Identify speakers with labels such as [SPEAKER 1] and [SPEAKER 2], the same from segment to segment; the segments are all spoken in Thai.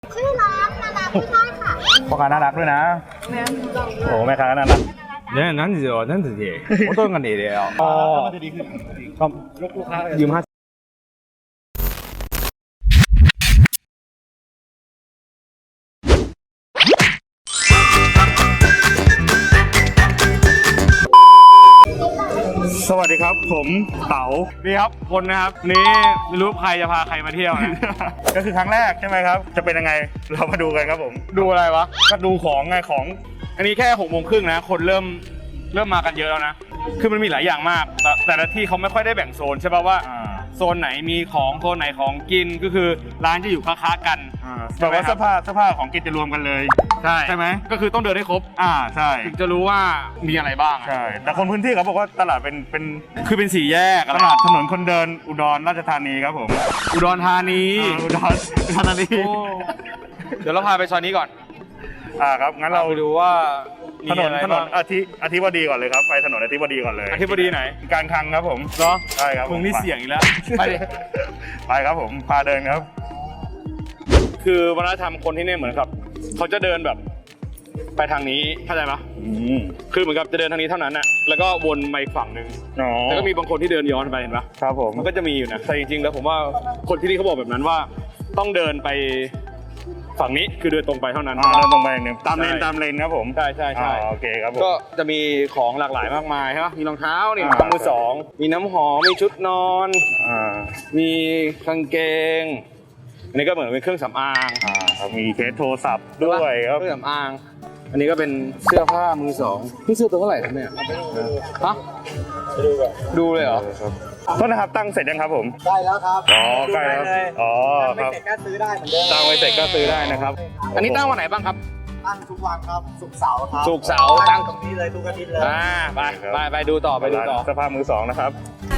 [SPEAKER 1] ชื่อร้านนานาไม่ได้ค่ะ
[SPEAKER 2] พ่อค้าน่ารักด้วยนะโอ้แม่ค้าน่ารัก
[SPEAKER 3] 난지요 어떤 건 이래요
[SPEAKER 2] อ๋อ
[SPEAKER 3] 그럼
[SPEAKER 2] ลูกค้า
[SPEAKER 3] ยืมห้า
[SPEAKER 2] สวัสดีครับผมเต๋า
[SPEAKER 3] นี่ครับคนนะครับนี่ไม่รู้ใครจะพาใครมาเที่ยวนะ
[SPEAKER 2] ก็คือครั้งแรกใช่ไหมครับจะเป็นยังไงเรามาดูกันครับผม
[SPEAKER 3] ดูอะไรวะ
[SPEAKER 2] ก็ดูของไงของ
[SPEAKER 3] อันนี้แค่6:30นะคนเริ่มมากันเยอะแล้วนะคือมันมีหลายอย่างมากแต่ละที่เขาไม่ค่อยได้แบ่งโซนใช่ป่ะว่าโซนไหนมีของโซนไหนของกินก็คือร้านจะอยู่ค้าๆกัน
[SPEAKER 2] แบบว่าเสื้อผ้าของกินจะรวมกันเลย
[SPEAKER 3] ใช่ไหมก็คือต้องเดินให้ครบ
[SPEAKER 2] ใช่
[SPEAKER 3] ถึงจะรู้ว่ามีอะไรบ้าง
[SPEAKER 2] ใช่แต่คนพื้นที่เขาบอกว่าตลาดเป็น
[SPEAKER 3] คือเป็นสี่แยก
[SPEAKER 2] ตลาดถนนคนเดินอุดรราชธานีครับผม
[SPEAKER 3] อุดรธานี
[SPEAKER 2] อุดรธานี
[SPEAKER 3] โอ้เดี๋ยวเราพาไปซอยนี้ก่อน
[SPEAKER 2] ครับงั้นเรา
[SPEAKER 3] ไปดูว่ามี
[SPEAKER 2] ถนน
[SPEAKER 3] อะไร
[SPEAKER 2] ถน
[SPEAKER 3] บ้าน ง
[SPEAKER 2] อธิบดีก่อนเลยครับไปถนนอธิบดีก่อนเลย
[SPEAKER 3] อธิบดีไหน
[SPEAKER 2] การคลังครับผม
[SPEAKER 3] เหรอ
[SPEAKER 2] ใช่ครับ
[SPEAKER 3] มึงนี่เสี่ยงอีกแล้วไปดิ
[SPEAKER 2] ไปครับผมพาเดินครับ
[SPEAKER 3] คือวัฒนธรรมคนที่นี่เหมือนกับเขาจะเดินแบบไปทางนี้เข้าใจปะคือเหมือนกับจะเดินทางนี้เท่านั้นน่ะแล้วก็วนไปอีกฝั่งหนึ่ง
[SPEAKER 2] อ๋อ
[SPEAKER 3] แล้วก็มีบางคนที่เดินย้อนไปเห็นปะ
[SPEAKER 2] ครับผม
[SPEAKER 3] มันก็จะมีอยู่นะแต่จริงๆแล้วผมว่าคนที่นี่เขาบอกแบบนั้นว่าต้องเดินไปฝั่งนี้คือเดินตรงไปเท่านั้น
[SPEAKER 2] เดินตรงไปอย่างหนึ่งตามเลน
[SPEAKER 3] ใช่
[SPEAKER 2] ตามเลนครับผม
[SPEAKER 3] ใช่ใช่ใช่
[SPEAKER 2] โอเคครับผม
[SPEAKER 3] ก็จะมีของหลากหลายมากมายใช่ปะมีรองเท้านี่
[SPEAKER 2] อ่าร
[SPEAKER 3] องมือสองมีน้ำหอมมีชุดนอน มีกางเกง อันนี้ก็เหมือนเป็นเครื่องสำอาง
[SPEAKER 2] ครับมีเคสโทรศัพท์ด้วยครับ
[SPEAKER 3] เครื่องสำอาง อันนี้ก็เป็นเสื้อผ้ามือสองนี่ซื้อตัวเท่าไหร่ครับเนี่ยฮะดูเลยเหรอ
[SPEAKER 2] โทษนะครับตั้งเสร็จยังครับผม
[SPEAKER 4] ได้แล้วครับ
[SPEAKER 2] อ๋อใกล้แล้วอ๋อ
[SPEAKER 4] ไม่
[SPEAKER 2] ครับ
[SPEAKER 4] เสร็จก็ซื้อได้เหมือนเดิม
[SPEAKER 2] ตั้งไว้เสร็จก็ซื้อได้นะครับ
[SPEAKER 3] อันนี้ตั้งวันไหนบ้างครับ
[SPEAKER 4] ตั้งทุกวันครับศุกร์เสาร์ครับ
[SPEAKER 3] ศุกร์เสาร์ตั้ง
[SPEAKER 4] ตรงนี้เลยทุกอาทิตย์เลย
[SPEAKER 3] ไปดูต่อไปดูต่อ
[SPEAKER 2] เสื้อผ้ามือสองนะครับ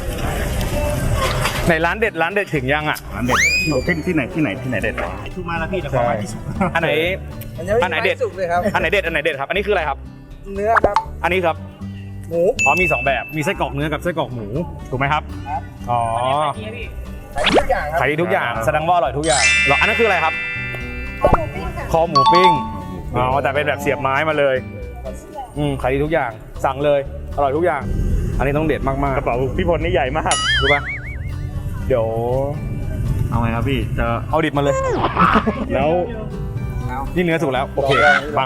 [SPEAKER 3] ในร้านเด็ดถึงยังอ่ะ
[SPEAKER 2] ร้านเด็ดที่ไหนเด็ด
[SPEAKER 4] ทุกมาแล้วพี่แต่ของมาที่สุด
[SPEAKER 3] อันไหน อันไหนเด็ด
[SPEAKER 4] สุกเลยครับ
[SPEAKER 3] อันไหนเด็ดครับ อันนี้คืออะไรครับ
[SPEAKER 4] เนื้อครับ
[SPEAKER 3] อันนี้ครับ
[SPEAKER 4] หมู
[SPEAKER 3] อ๋อมี2แบบมีไส้กรอกเนื้อกับไส้กรอกหมูถูกไหมครับอ๋อ
[SPEAKER 4] ขายทุกอย่างครับ
[SPEAKER 3] ขายดีทุกอย่างแสดงว่าอร่อยทุกอย่างเหรออันนั้นคืออะไรครับ
[SPEAKER 1] คอหมูปิ้งค่ะ
[SPEAKER 3] คอหมูปิ้งอ๋อแต่เป็นแบบเสียบไม้มาเลยขายดีทุกอย่างสั่งเลยอร่อยทุกอย่าง อันนี้ต้องเด็ดมาก
[SPEAKER 2] กระเป๋าพี่พลนี่ใหญ่มาก
[SPEAKER 3] ๆรู้ป่ะเดี๋ยว
[SPEAKER 2] เอาไงครับพี่จะ
[SPEAKER 3] เอาดิบมาเลย
[SPEAKER 2] แล้ว
[SPEAKER 3] นี่เนื้อสุกแล้วโอเคมา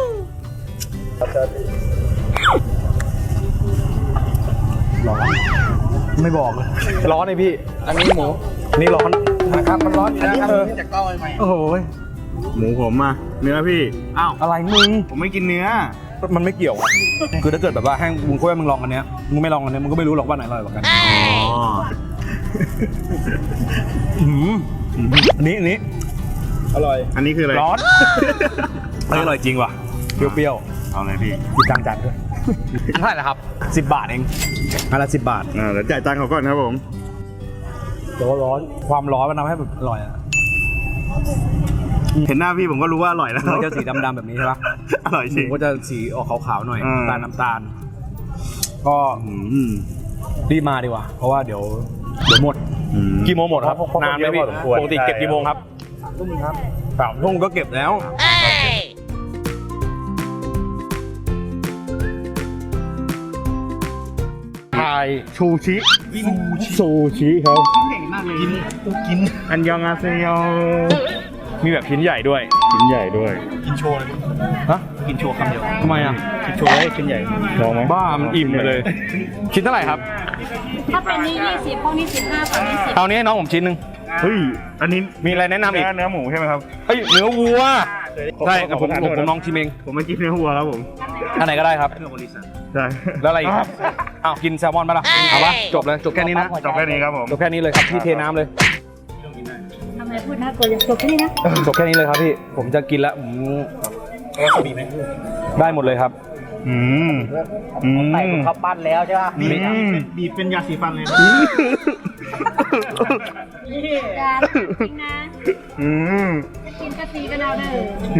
[SPEAKER 3] ร้อนไม่บอกเลยร้อนเลยพี่ อันนี้หมูนี่ร้อน
[SPEAKER 4] ครับมันร้อนอยู่แล้วครับนี่จากเต้าใหม่
[SPEAKER 3] โอ้โห
[SPEAKER 2] หมูผมอะเนื้อพี่
[SPEAKER 3] อ้าวอะไรมึง
[SPEAKER 2] ผมไม่กินเนื้อ
[SPEAKER 3] มันไม่เกี่ยวอะคือถ้าเกิดแบบว่าให้มึงคุยมึงลองอันเนี้ยมึงไม่ลองอันเนี้ยมึงก็ไม่รู้หรอกว่าไหนอร่อยกว่ากันอันนี้อร่อย
[SPEAKER 2] อันนี้คืออะไร
[SPEAKER 3] ร้อนอันนี้อร่อยจริงว่ะเปรี้ยว
[SPEAKER 2] เอาเลยพี่
[SPEAKER 3] ๆคิดตังค์จัดด้วยอันเท่าไหร่นะครับ10 บาทเองอันละ10 บาท
[SPEAKER 2] เดี๋ยวจ่ายตังค์เขาก่อนครับผม
[SPEAKER 3] แต่ว่าร้อนความร้อนมันทำให้แบบอร่อยอะ
[SPEAKER 2] เห็นหน้าพี่ผมก็รู้ว่าอร่อยแล้ว
[SPEAKER 3] มันจะสีดำๆแบบนี้ใช่ปะ
[SPEAKER 2] อร่อย
[SPEAKER 3] ห
[SPEAKER 2] จริ
[SPEAKER 3] มู
[SPEAKER 2] ง
[SPEAKER 3] ก็จะสีออกขาวๆหน่อย
[SPEAKER 2] อืม
[SPEAKER 3] น้ำตาลก็รีบมาดีกว่าเพราะว่าเดี๋ยวหมดกี่โมงหมดครับนานไหมพี่ปกติเก็บกี่โมงครับ
[SPEAKER 4] ทุ่มครับ
[SPEAKER 3] 3 ทุ่มก็เก็บแล้ว
[SPEAKER 2] ไทยชูชิซูชิครับ
[SPEAKER 4] เก่งมากเลยกิน
[SPEAKER 2] อันยองอาเซโย
[SPEAKER 3] มีแบบชิ้นใหญ่ด้วย
[SPEAKER 2] ชิ้นใหญ่ด้วย
[SPEAKER 4] กินโชว์เลย
[SPEAKER 3] ฮะ
[SPEAKER 4] กินโชว์คำเดียว
[SPEAKER 3] ทำไมอ่ะ
[SPEAKER 4] กินโชว์ได้ชิ้นใหญ่
[SPEAKER 2] ลองไหม
[SPEAKER 3] บ้ามันอิ่มไปเลย ชิ้นเท่าไหร่ครับ
[SPEAKER 1] ถ้าเป็นนี่20พวกนี้15ฝั่งนี้10
[SPEAKER 3] เอานี้ให้น้องผมชิ้นหนึ่ง
[SPEAKER 2] เฮ้ยอันนี้
[SPEAKER 3] มีอะไรแนะนำอีก
[SPEAKER 2] เนื้อหมูใช่ไหมครับ
[SPEAKER 3] เฮ้ยเนื้อวัวใช่
[SPEAKER 2] ขอ
[SPEAKER 3] ผม
[SPEAKER 2] ประทานโทษนะ
[SPEAKER 3] ลองชิมเอง
[SPEAKER 2] ผมไม่กินเนื้อวัวครับผม
[SPEAKER 3] อันไหนก็ได้ครับ
[SPEAKER 2] ใช่
[SPEAKER 3] แล้วอะไรอีกครับอ้าวกินแซลมอนปะล่ะเอาปะจบเลยจบแค่นี้นะ
[SPEAKER 2] จบแค่นี้ครับผม
[SPEAKER 3] จบแค่นี้เลยครับพี่เทน้ำเลย
[SPEAKER 1] ทำไมพูดน่ากลัวอย่างจบแค่นี้นะ
[SPEAKER 3] จบแค่นี้เลยครับพี่ผมจะกินแล้วได้หมดเลยครับ
[SPEAKER 4] ใส่ข้าวปั้นแล้วใช่ป่ะ
[SPEAKER 2] บีบเป็นยาสีฟันเลย
[SPEAKER 1] การจริงนะจะกินกะทิกันเอาเด้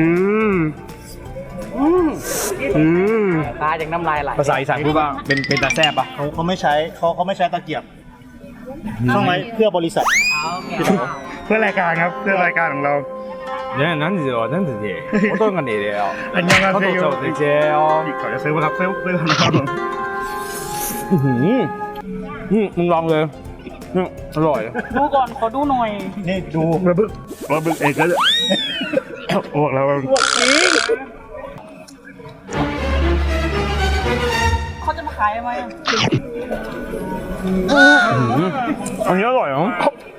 [SPEAKER 1] อ
[SPEAKER 4] ตาอย่างน้ำลายไหล
[SPEAKER 3] ภาษาอีสานพูดว่าเป็นตาแซ่บปะ
[SPEAKER 4] เขาไม่ใช้เขาไม่ใช้ตะเกียบต้องไว้เพื่อบริษัท
[SPEAKER 2] เพื่อรายการครับเพื่อรายการของเรา
[SPEAKER 3] 네, 난지요, 난지지. 어떤 건데요?
[SPEAKER 2] 안녕하세요.
[SPEAKER 3] 저도 되세요.
[SPEAKER 2] ขอจะซื้อมาครับซื้อครับผม
[SPEAKER 3] มึงลองเลยอร่อย
[SPEAKER 1] ดูก่อนขอดูหน่อย
[SPEAKER 2] นี่ดูระบึกเองก็เลยอ้วกแล้ว
[SPEAKER 1] เขาจะมาขายไหม
[SPEAKER 3] อันนี้อร่อยเหรอ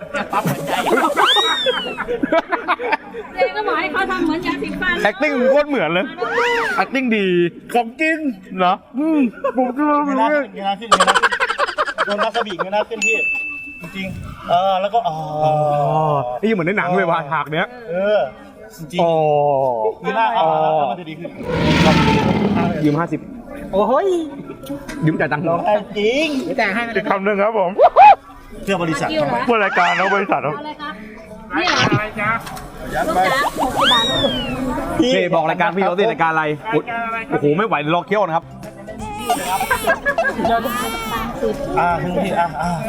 [SPEAKER 1] เจ๊ก็บอกให้เขาทำเหมือนยาสีฟัน
[SPEAKER 3] acting โคตรเหมือนเลย acting ดี
[SPEAKER 2] ของกิน
[SPEAKER 3] เนาะผมก็รู้
[SPEAKER 4] เงยหน้าขึ้นเงยหน้าขึ้นเงยหน้าขึ้นโดนวาซาบิเงยหน้าขึ้นพี่จริงๆแล้วก็
[SPEAKER 3] นี่เหมือนในหนังเลยว่ะฉากเนี้ย
[SPEAKER 4] จริง
[SPEAKER 3] อ๋อ
[SPEAKER 4] ๆเงยหน้าแล้วมันจะดีขึ้น
[SPEAKER 3] ยืม50
[SPEAKER 4] โอ้ย
[SPEAKER 3] ยืมจ่ายตังค์
[SPEAKER 4] ร้องไห้จริงแต่ให้
[SPEAKER 2] อีกคำหนึ่งครับผม
[SPEAKER 4] เพื่อบริษัท
[SPEAKER 1] กิ้วเหรอ
[SPEAKER 2] ผู้รายการนะบริษัทครับ
[SPEAKER 1] เอาอะไรคะนี่เหรออะไรจ๊ะลูกจ๋า60 บาท
[SPEAKER 3] นี่บอกรายการพี่เขาสิรายการอะไรโอ้โหไม่ไหวรอเคี้ยวนะครับ
[SPEAKER 1] เดี๋ยว30
[SPEAKER 4] ถึงพี่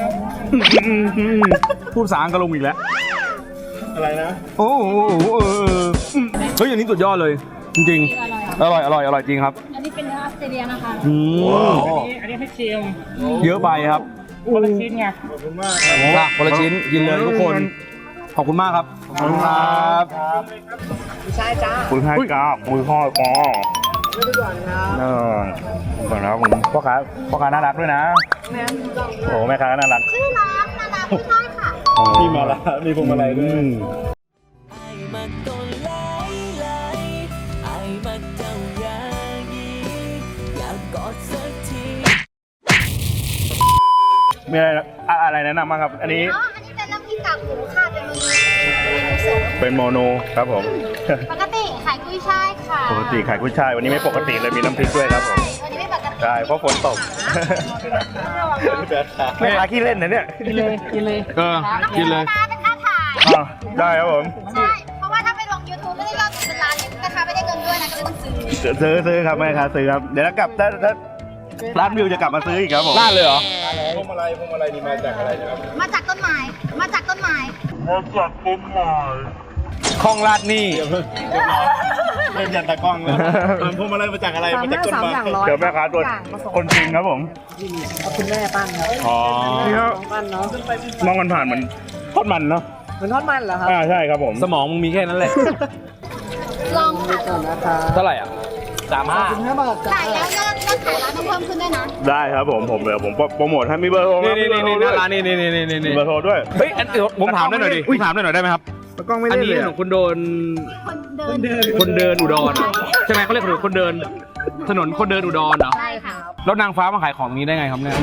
[SPEAKER 3] พูดภาษาอังกฤษลงอีกแล้ว
[SPEAKER 4] อะไรนะ
[SPEAKER 3] โอ้โหเฮ้ยอย่างนี้สุดยอดเลย จริง
[SPEAKER 1] นี่อร่อย
[SPEAKER 3] ๆ อร่อยจริงครับ
[SPEAKER 1] อันนี้เป็นเนื้อออสเตรเลียนะคะ
[SPEAKER 4] อันนี้ให้ชิม
[SPEAKER 3] เยอะไปครับ
[SPEAKER 4] คนละชิ้นไง
[SPEAKER 3] คนละชิ้นกินเลยทุกคน ขอบคุณมากครับ ขอบคุณครับ
[SPEAKER 4] ใช่จ้า
[SPEAKER 2] คุณให้กราบมือพ่อปอก่อนนะครับผมพ่อค้าน่ารักด้วยนะโอ้แม่ค้าน่ารัก
[SPEAKER 1] ชื่อน้องนานาผู้ชายค่ะ
[SPEAKER 4] พี่มาละมีพวงมาลัยด้วย
[SPEAKER 5] มักต้นไหลไหลไอ้มักเจ้าอยายีอยากกอดสักที
[SPEAKER 2] มีอะไรแนะนำบ้างครับ อันนี้
[SPEAKER 1] อ๋อ อันนี้เป็นน้ำพริกกากหมูค่ะเป็นเมนูเสริม
[SPEAKER 2] เป็นโมโนครับผม
[SPEAKER 1] ปกติขายกุ้ยช่ายค่ะ
[SPEAKER 2] ปกติขายกุ้ยช่ายวันนี้ไม่ปกติเลยมีน้ำพริกด้วยครับผม
[SPEAKER 1] วันนี้ไม่ปกติ
[SPEAKER 2] ใช่เพราะฝนตกแม่ค้าขี้เล่นนะเนี่ย
[SPEAKER 3] กินเลย
[SPEAKER 1] กินเลย เป็นค่าถ่าย
[SPEAKER 2] ได้ครับผม
[SPEAKER 1] ใช่ เพราะว่าถ้าไปลง YouTube ไม่ได้ยอดเป็นล้านนี่ราคาไม่ได้เงินด้วยนะก็เลยต้องซื้อ
[SPEAKER 2] ซื้อครับแม่ค้าซื้อครับเดี๋ยวกลับถ้าร้านวิวจะกลับมาซื้ออีกครับผม
[SPEAKER 3] ลาดเลยเหรอ
[SPEAKER 4] พวงมาลัยนี่มาจากอะไรนะครับ
[SPEAKER 1] มาจากต้นไม้ มาจากต้นไม้
[SPEAKER 3] คลองลาดนี่
[SPEAKER 4] เล่นยันตะกล้องแล้วพวงมาลัยมาจากอะไรมาจากต้นไม้
[SPEAKER 2] เดี๋ยวแม่ค้าตัวคนจริงครับผม
[SPEAKER 4] คุณแม่ปั้นครับ
[SPEAKER 3] อ๋อ
[SPEAKER 2] นี่ครับ
[SPEAKER 4] ปั้นเนาะ
[SPEAKER 2] มองกันผ่านเหมือนทอดมันเนาะ
[SPEAKER 4] เหมือนทอดมันเหรอครับ
[SPEAKER 2] ใช่ครับผม
[SPEAKER 3] สมองมึงมีแค่นั้นแหละ
[SPEAKER 1] ลองค่ะ
[SPEAKER 3] เท่าไหร่อ่ะ35
[SPEAKER 4] 15 บาท
[SPEAKER 1] ขายแล้วยอดขายร้านต้องเพิ่มขึ้นด้วยนะ
[SPEAKER 2] ได้ครับผมเดี๋ยวผมโปรโมทให้มีเบอร์โทร
[SPEAKER 3] นี่หน้าร้านนี่
[SPEAKER 2] มีเบอร์โทรด้วย
[SPEAKER 3] เฮ้ยเดี๋ยวผมถามได้หน่อยดิผมถามได้หน่อยได้ไหมครับ
[SPEAKER 2] กล้องไม่
[SPEAKER 3] อัน
[SPEAKER 2] เล่น
[SPEAKER 3] นี้
[SPEAKER 2] เลย
[SPEAKER 3] ถนนคนเดิน
[SPEAKER 1] คนเดิน
[SPEAKER 3] อุดรใช่ไหมเขาเรียกถนนคนเดิน ถนนคนเดินอุดรเหรอ
[SPEAKER 1] ใช่ค่ะ
[SPEAKER 3] แล้วนางฟ้ามาขายของนี้ได้ไงครับเนี่ย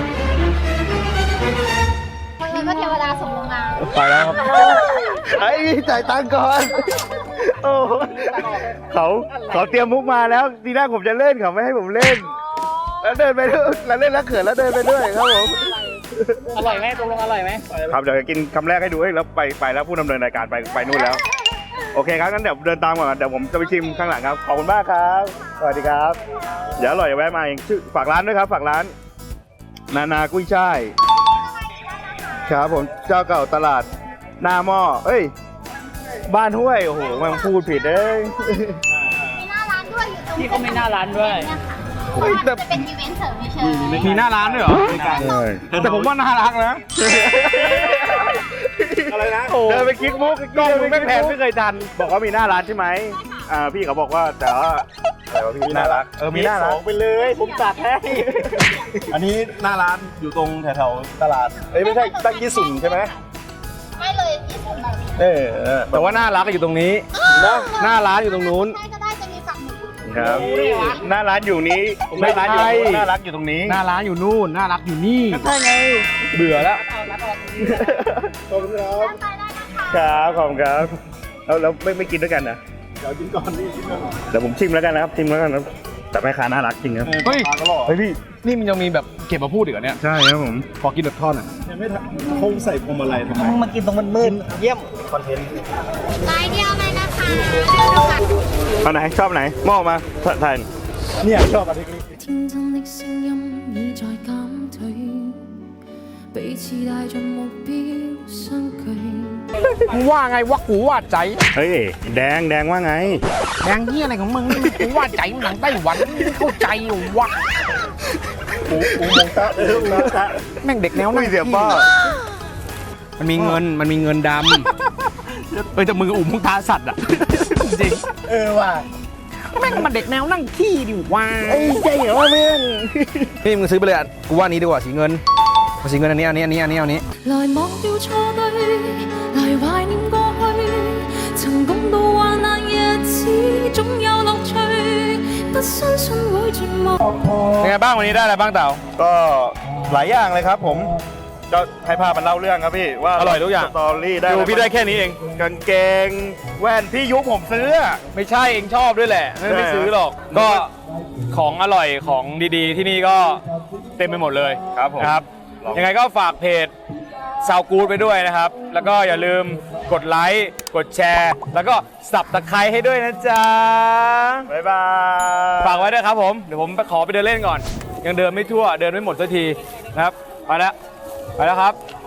[SPEAKER 1] คนเงินก็เทวดาส่งลงมา
[SPEAKER 2] ไปแล้วครับไอ้จ่ายตังค์ก่อนโอ้เขาเตรียมมุกมาแล้วทีแรกผมจะเล่นเขาไม่ให้ผมเล่น แล้วเดินไปด้วยแล้วเล่นแล้วเขินแล้วเดินไปด้วยครับผม
[SPEAKER 4] อร่อยไหมตกลงอร่อยไหม
[SPEAKER 2] ครับเดี๋ยวจะกินคำแรกให้ดูแล้วไปแล้วผู้ดำเนินรายการไปนู่นแล้ว โอเคครับงั้นเดี๋ยวเดินตามก่อนเดี๋ยวผมจะไปชิมข้างหลังครับขอบคุณมากครับสวัสดีครับ เดี๋ยวอร่อยอย่าแวะมาเองชื่อฝากร้านด้วยครับฝากร้านนากุ้ยช่ายครับผมเจ้าเก่าตลาดหน้าหม้อเอ้ยบ้านห้วยโอ้โหมันพูดผิดเอ้ย
[SPEAKER 1] มีหน้าร้านด้วยอยู่ตรง
[SPEAKER 4] พี่เขาไม่หน้าร้านด้วย
[SPEAKER 1] เนี่ยค่ะเพราะว่ามันจะเป็นอีเวนต์เสริมเฉยๆ
[SPEAKER 3] มีหน้าร้านด้วยเหรอ แต่ผมว่าน่ารักนะ
[SPEAKER 4] อะไรนะ
[SPEAKER 2] เดินไปคิดมุกกล้องมึงไม่แพนไม่เคยทันบอกว่ามีหน้าร้านใช่ไหมพี่เขาบอกว่าแต่ว่าพี่น่ารักมีหน้าร้าน
[SPEAKER 4] ไปเลยผมจัดให้ อันนี้หน้าร้านอยู่ตรงแถวๆตลาดไม่ใช่ตั้งยี่สุนใช่ไหม
[SPEAKER 1] ไม่เลยญี่ปุ่นแบบนี้
[SPEAKER 3] แต่ว่าน่ารักอยู่ตรงนี้นะหน้าร้านอยู่ตรงนู้น
[SPEAKER 1] ได้ก็ได้จะมีฝั่งหนึ่ง
[SPEAKER 2] ครับหน้าร้านอยู่นี้หน้าร้านอยู่น่ารักอยู่ตรงนี้
[SPEAKER 3] หน้าร้านอยู่นู่นน่ารักอยู่นี่
[SPEAKER 2] ใช่ไง
[SPEAKER 3] เบื่อแล้ว
[SPEAKER 4] ขอบคุณครับ
[SPEAKER 1] ไปได้นะคะ
[SPEAKER 2] ครับขอบคุณครับแล้วไม่กินด้วยกันนะ
[SPEAKER 4] เดี๋ยวกินก่อนนี่กินก่อน
[SPEAKER 2] เดี๋ยวผมชิมแล้วกันนะครับชิมแล้วกันครับแต่แม่ค้าน่ารักจริงครับ
[SPEAKER 3] เฮ้ย
[SPEAKER 4] ปลากระหล่อ
[SPEAKER 3] เฮ้ยพี่ นี่มันยังมีแบบเก็บมาพูดอีกเหรอเนี่ย
[SPEAKER 2] ใช่ครับผม
[SPEAKER 3] ขอกินแบบทอดหน่อย
[SPEAKER 4] ยังไม่ทันคงใส่พวงมาลัยทำไมมากินตรงมืดๆเยี่ยมคอนเทนต์
[SPEAKER 1] ลายเดียวเลยนะคะเดี๋ยวดูกัน
[SPEAKER 2] เอาไหนชอบไหนหม้อมาถ่าย
[SPEAKER 4] เนี่ยชอบอันนี้
[SPEAKER 5] 天真的聲音已在減退， 彼此帶着目標相距。
[SPEAKER 6] มึงว่าไงวะกูว่าใจ
[SPEAKER 2] เฮ้ยแดงว่าไง
[SPEAKER 6] แดงเหี้ยอะไรของมึงกูว่าใจมันหนังไต้หวันไม่เข้าใจอยู่วะ
[SPEAKER 4] อูมงตะอูมงตะ
[SPEAKER 6] แม่งเด็กแนวห
[SPEAKER 2] ไม่
[SPEAKER 6] น้า
[SPEAKER 2] เสียป้า
[SPEAKER 6] มันมีเงินดำแต่มืออุ่มตาสัตว์อ่ะจริง
[SPEAKER 4] ว่ะ
[SPEAKER 6] แม่งมันเด็กแนวนั่งขี้ดิวะ
[SPEAKER 2] ใจเหรอเพื่อน
[SPEAKER 6] นี่มึงซื้อไปเลยอ่ะกูว่านี้ดีกว่าสีเงินอันนี้
[SPEAKER 5] 來忘掉錯對，來懷念過去，曾共度患難日子，總有樂趣，不相信會絕望。
[SPEAKER 3] เป็นไงบ้างวันนี้ได้อะไรบ้างเต่า
[SPEAKER 2] ก็หลายอย่างเลยครับผมก็ให้ภาพมันเล่าเรื่องครับพี่ว่า
[SPEAKER 3] อร่อยทุกอย่าง
[SPEAKER 2] สตอรี่ได้
[SPEAKER 3] ดูพี่ได้แค่นี้เอง
[SPEAKER 2] กางเกงแว่นพี่ยุคผมซื้ออะ
[SPEAKER 3] ไม่ใช่เองชอบด้วยแหละไม่ซื้อหรอก ก็ของอร่อยของดีๆ ที่นี่ก็เต็มไปหมดเลย
[SPEAKER 2] ครับผม
[SPEAKER 3] นะครับยังไงก็ฝากเพจซาวกูดไปด้วยนะครับ แล้วก็อย่าลืมกดไลค์กดแชร์ แล้วก็สับตะไคร้ให้ด้วยนะจ๊ะ
[SPEAKER 2] บ๊ายบาย
[SPEAKER 3] ฝากไว้ด้วยครับผมเดี๋ยวผมไปขอไปเดินเล่นก่อน ยังเดินไม่ทั่วเดินไม่หมดสักทีนะครับไปแล้วครับ